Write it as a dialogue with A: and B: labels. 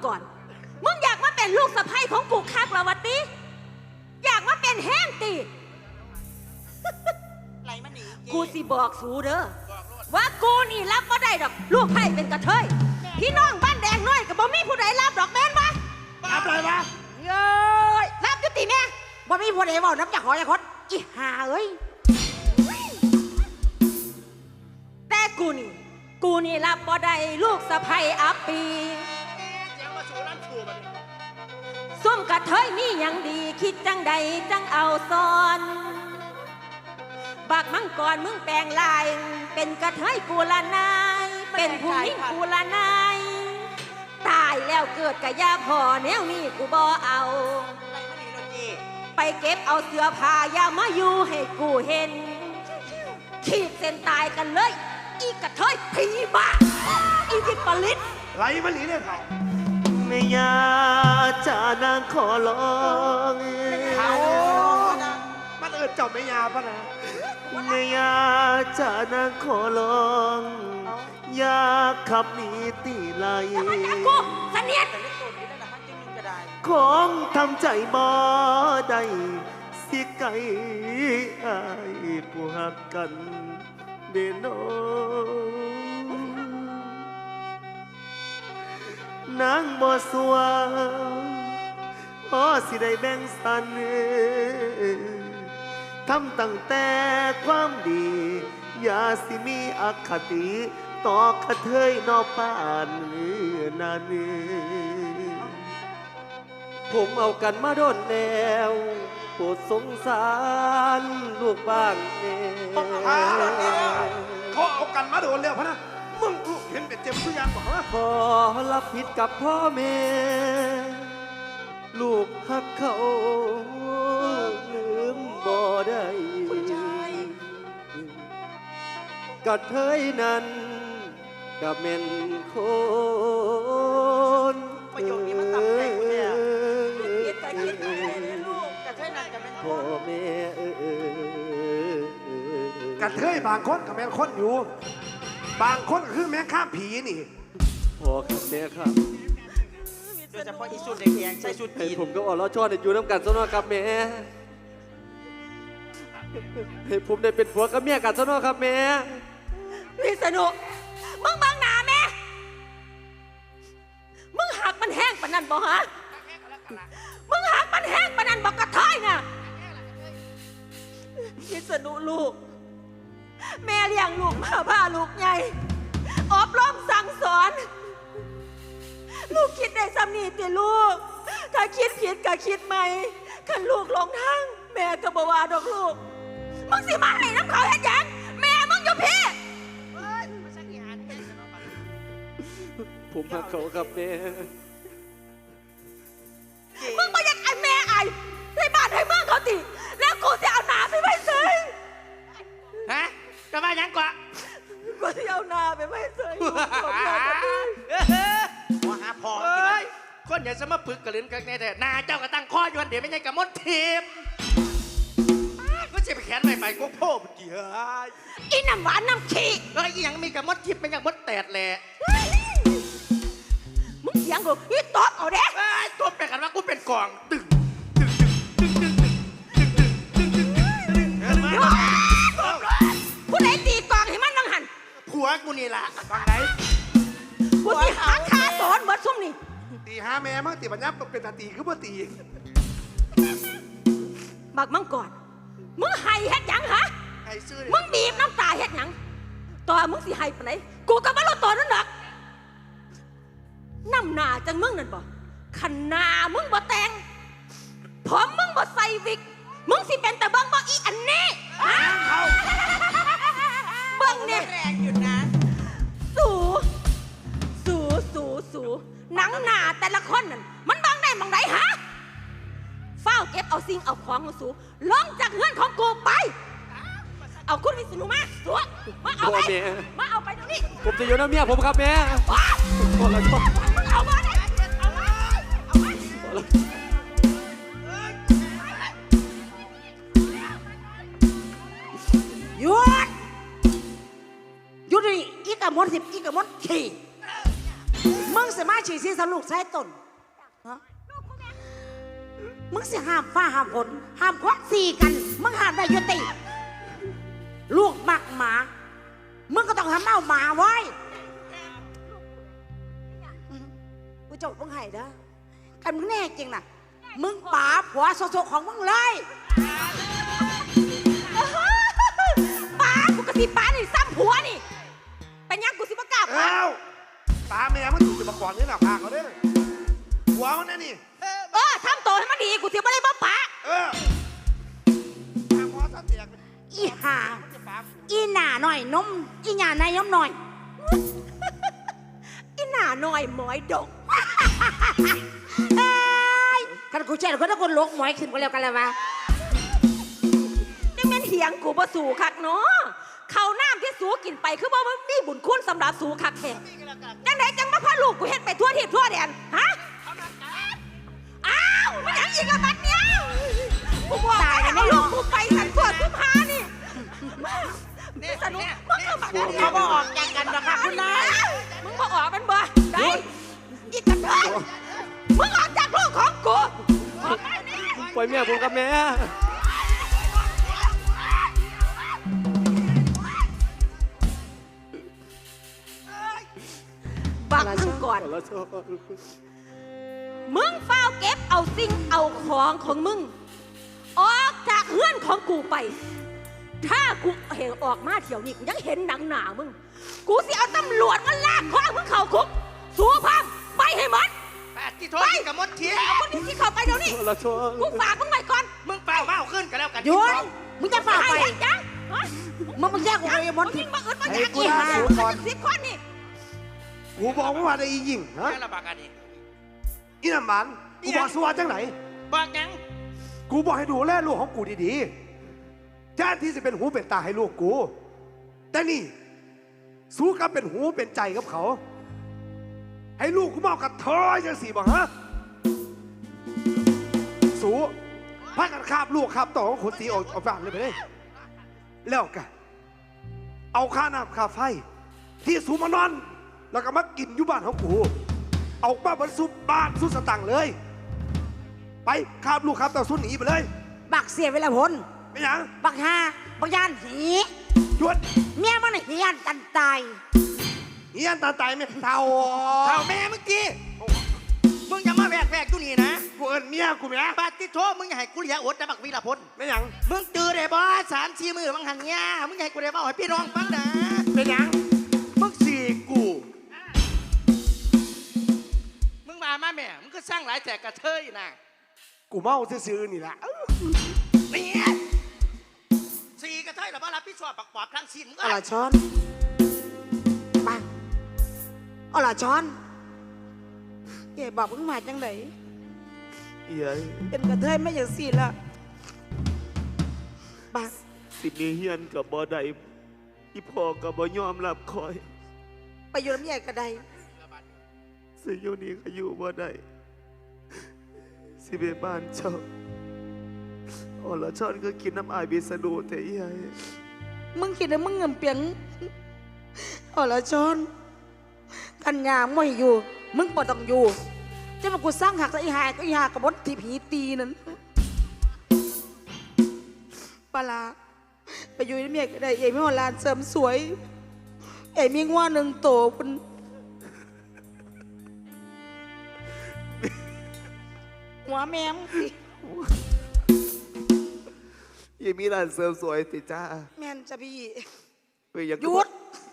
A: ก่อนมึงอยากมาเป็นลูกสะใภ้ของกูคักเหรอวะติอยากมาเป็นแห้งติ
B: ไหลมันหนี
A: กูสิบอกสูเด้อว่ากูนี่รับบ่ได้ดอกลูกไผ่เป็นกระเทยพี่น้องบ้านแดงน้อยกับบ่มีผู้ใดรับดอกแม่นบ่
C: รับเลยปะ
A: เย้ยรับจุติแม่บ่มีผู้ใดเว้าน้ำจากหอยคดอีห่าเอ้ยแต่กูนี่รับบ่ได้ลูกสะใภ้อัปปี
C: เสียงมาสู่ร้านชูมัน
A: ส้มกระเทยมีอย่างดีคิดจังใดจังเอาซ้อนบักมังกรมึงแปลงลายเป็นกระเทยกูละนายเป็นผู้หญิงกูละนายตายแล้วเกิดกะยาพ่อแนวนี้กูบ่เอา
B: ไหลมันหนีโดนจี
A: ไปเก็บเอาเสื้อผ้าอย่ามาอยู่ให้กูเห็นขีดเส้นตายกันเลยอีกระเทยผีบ้าอีวิปริต
C: ไหลมันหนีเนี่ยเขา
D: ไม่อยาจานางขอร้อง
C: เขามันเจ้าไม่ยาปะนะ
D: ไม่อยาจานางขอร้องอยากขับหนีตีไล่
A: กูเสนียด
B: แต่เล็กตัวนี้ได้แต่ฮันจึงนึงก็ได้
D: ของทำใจบ่ได้สิไก่อายผู้หักกันเดโนนางบ่สวงพอสิได้แบ่งสันทำตั้งแต่ความดีอย่าสิมีอคติต่อกระเทยนอป่านนั้นผมเอากันมาโดนแล้วโปรดสงสารลูกบ้างแน่
C: เขาเอากันมาโดนแล้วพะนะมึงเห็นเป็นเจ็บทุกอย่างบอกว่า
D: ขอรับผิดกับพ่อแม่ลูกฮักเขาลืมบ่ได้กระเทยนั้นกับเม่นคน
B: ประโยคนี้มันตับใจกูเนี่ยคิดแต่คิดแต่ลูกกระเทยนั่นจะเป็น
D: พ่อแม่
C: กระเทยบางคนกับแม่คนอยู่บางคนก็คือแม่ข้ามผีนี่
D: พ่อครับแม่ครับ
B: โดยเฉพาะอีสุดแดงใส่ชุดจีน
D: ผมก็อ่อนล้อช่ออยู่น้ำกันซะหน่อยครับแม่ให้ผมได้เป็นผัวกับเมียกันซะหน่อยครับแม่
A: พี่สนุกมึงบังหน้าแม่มึงหักมันแห้งปะนั่นบ่ฮะมึงหักมันแห้งปะนั่นบ่กระเทยน่ะพี่สนุกลูกแม่เลี้ยงลูกมาพาลูกใหญ่อบรมสั่งสอนลูกคิดได้ซ้ำนี่ติลูกถ้าคิดผิดก็คิดใหม่คันลูกหลงทางแม่ก็บ่ว่าดอกลูกมึงสิมาให้น้ำเขาเฮ็ดหยังแม่มึงอยู่พี่
D: ผมหักเขาครับแม่
A: มึงบ่อยากไอ้แม่ไอ้ให้บ้านให้เมืองเขาติแล้วกูจะเอาหนาไปไว้เฉย
B: ฮะจะมายังกว่า
A: กูจะเอาหนาไปไว้เฉย
B: หัวหาพอกิน
C: คนอย่าจะมาปึกกระลิ้นกันแน่แต่นาเจ้าก็ตั้งข้ออยู่วันเดี๋ยวไม่ใช่กับมดทีมก็จะไปแขนใหม่ไปก็พ่อมันกี่เฮ้ย
A: อีน้ำหวานน้ำขี้
C: เฮ้ยยังมีกับมดทิพย์เป็นกับมดแตดแหละ
A: มึงเสียงกูอีตบเอาเด้
C: ตัวเป็นกันว่ากูเป็นกองตึง
A: ผู้ใดตีกองให้มันนั่งหัน
C: ผัวกูนี่ล่ะฟังไหน
A: กูสิหาคาสอนเบิดซุ่มนี่
C: ตีหาแม่มั้งตีปัญญาเป็นตาตีคือบ่ตี
A: บักมังก่อนมึงไห้เฮ็ดหยังฮะมึงบีบน้ำตาเฮ็ดหยังต่อมึงสิไห้ปานไหนกูก็บ่รู้ตัวนั่นดอกน้ำหน้าจังมึงนั่นบ่ขันหน้ามึงบ่แต่งผมมึงบ่ใส่วิกมึงสิเป็นแต่เบิ่งบ่อีอันนี้เบิ่งเนี่ย
B: แรงอยู่นะ
A: สูหนังหน้าแต่ละคนนั่นมันบังได้บังไดฮะเฝ้าเก็บเอาสิ่งเอาของของสูลงจากเฮือนของกูไปเอาคุณวิษณุมาสัวมาเอาไปมาเอาไปเดี๋ยวนี้
D: ผมจะอยู่น้ำเมียผมครับแม่พอแล้วก็
A: มึงเอามาเนี่ยเอามาหยุดนี่อีกกระมด10อีกกระมดขี่
B: มึงสิมาฉีดซีสลูกใช้ตนฮะมึงสิห้ามฟ้าห้ามฝนห้ามควักสีกันมึงห้ามได้ยุติลูกมักหมามึงก็ต้องทำเอาหมาไว้กูจบมึงให้เด้อกันมึงแน่จริงน่ะมึงป๋าผัวโซของมึงเลย
A: ป้ากูกะสิป้านี่ซ้ำผัวนี่เป็นยังกูสิบ่กล้าป้า
D: เอ้าตาแม่มันถูกมาก่อนนี่แหละพาเขาได้หัวมันนี่
A: ทำตัวให้มันดีกูสิบ่ได้บ่ป้า
D: ทางหัวซะเตียก
B: อีห่าอีหน่าหน่อยนมอีหน่าในนมหน่อย
A: อีหน้าน้อยหมอยดก
B: เอ้ยกันกูเชื่อคนถ้าคนลกหมอยขึ้นก็แล้วกันแล้ววะ
A: ยังแม่นเถียงกูบ่สู่คักเนาะข้าวน้ำที่สูกินไปคือบ่มีบุญคุณสำหรับสูคักแท้จังไดจังมาพาลูกกูเฮ็ดไปทั่วทิศทั่วแดนฮะอ้าวมันหยังอีกละบัดเนี้ยกูบอกให้ลูกกูไปสันทั่วทุกพานี่สนุกมึงก็บัดนี้
B: เขาบอกออกจากกันหรอกค่ะคุณนาย
A: มึงบ่ออกมันบ่ได้อีกกันเถอะมึงออกจากลูกของกูออกไปนี่
C: ปล่อยแม่ผมกับแม่
A: บักมึงก่อน มึงเฝ้าเก็บเอาสิ่งเอาของของมึง ออกจากเฮือนของกูไป ถ้ากูเห็นออกมาเที่ยวนี้กูยังเห็นหนังหนามึง กูสิเอาตำรวจมาลากคอมึงเข้าคุกสู้พังไปให้หมด
C: แปดที่โทษกับมดเทีย
A: เอาคนนี้ที่เข้าไปเดี๋ยวนี้กูฝากมึงไว้ก่อน
C: มึงเปล่ามาเอาขึ้นกันแล้วกัน
B: หยุดมึงจะฝ่าไป
A: ให้จังฮะ
B: มึงแยกกูไปมด
A: มึ
B: ผิด
A: งมาอึดมาอยากอีกนะสิบคนนี่
D: กูบอกว่าได้อีหญิงฮะ
C: แค่ระบากอันนี้
D: อีน้ำมันกูบอกสวัสดิ์จังไหน
C: บอกยัง
D: กูบอกให้ดูแลลูกของกูดีๆแทนที่จะเป็นหูเป็นตาให้ลูกกู แต่นี่สู้กับเป็นหูเป็นใจกับเขา ให้ลูกกูเมากับเธอจังสิบอกฮะสู้พากันคาบลูกคาบต่อของคนตีออกบ้านเลยไปเลยแล้วกันเอาค่าน้ำค่าไฟ ที่สูมานอน แล้วก็มากินอยู่บ้านของกู เอาบ้านบรรซุบ้านสุดสตังค์เลย ไปคาบลูกคาบต่อสุดหนีไปเลย
B: บักเสียเวลาพล
D: ไม่ยัง
B: บักฮาบักยานหี
D: หยุด
B: เมียมันหียานกันตาย
D: เฮียนตาตายไม่เท่า
C: เท่าแม่เมื่อกี้มึงอย่ามาแวกอยู่นี่นะ
D: กูเอินเมียกูไหม
C: ปาติโทมึงอย่าให้กูเหลียอดนะบักวีรพล
D: ไม่ยัง
C: มึงตื่นได้บ่3-4 มือมึงหันเงี้ยมึงอย่าให้กูได้บ่ให้พี่น้องฟังนะ
D: ไม่ยังมึงสี่กู
C: มึงมาแม่มึงก็สร้างหลายแจกกระเทยนะ
D: กูเมาซื่อๆนี่แหละ
C: เนี่ยสี่กระเทยหรือว่ารับผิดชอบปักปอบทั้งสิ้นมึง
B: เอาล่ะช้อนไปเอาล่ะช้อนเอ๋บอกมึงมาจังไหน
D: เย้ย
B: เป็นกระเทยไม่อย่างสี่ละไป
D: สิมีเฮียนกับบ่ได้อีพ่อกับบ่ยอมรับคอย
B: ไปอยู่น้ำใหญ่กระได
D: สิอยู่นี่ก็อยู่บ่ได้สิไปบ้านเจ้าอ๋อละชอนก็กินน้ำอายบิสดูแต่เย้ย
B: มึงคิดว่ามึงเงินเปียงเอาล่ะช้อนกันยางไม่อยู่ มึงปวดต้องอยู่จะมากูสร้างหักซะอีหายก็อีหากับบดที่ผีตีนั้นปลาไปอยู่ในเมียก็ได้เอ๋ไม่หัวลานเสริมสวยเอ๋มีง่วหนึ่งโตคุณหัวแม่มสิ
D: ยังมีร้านเสริมสวยติจ้า
B: แม่นจะพี่
D: เฮ้ยยัง
B: หยุด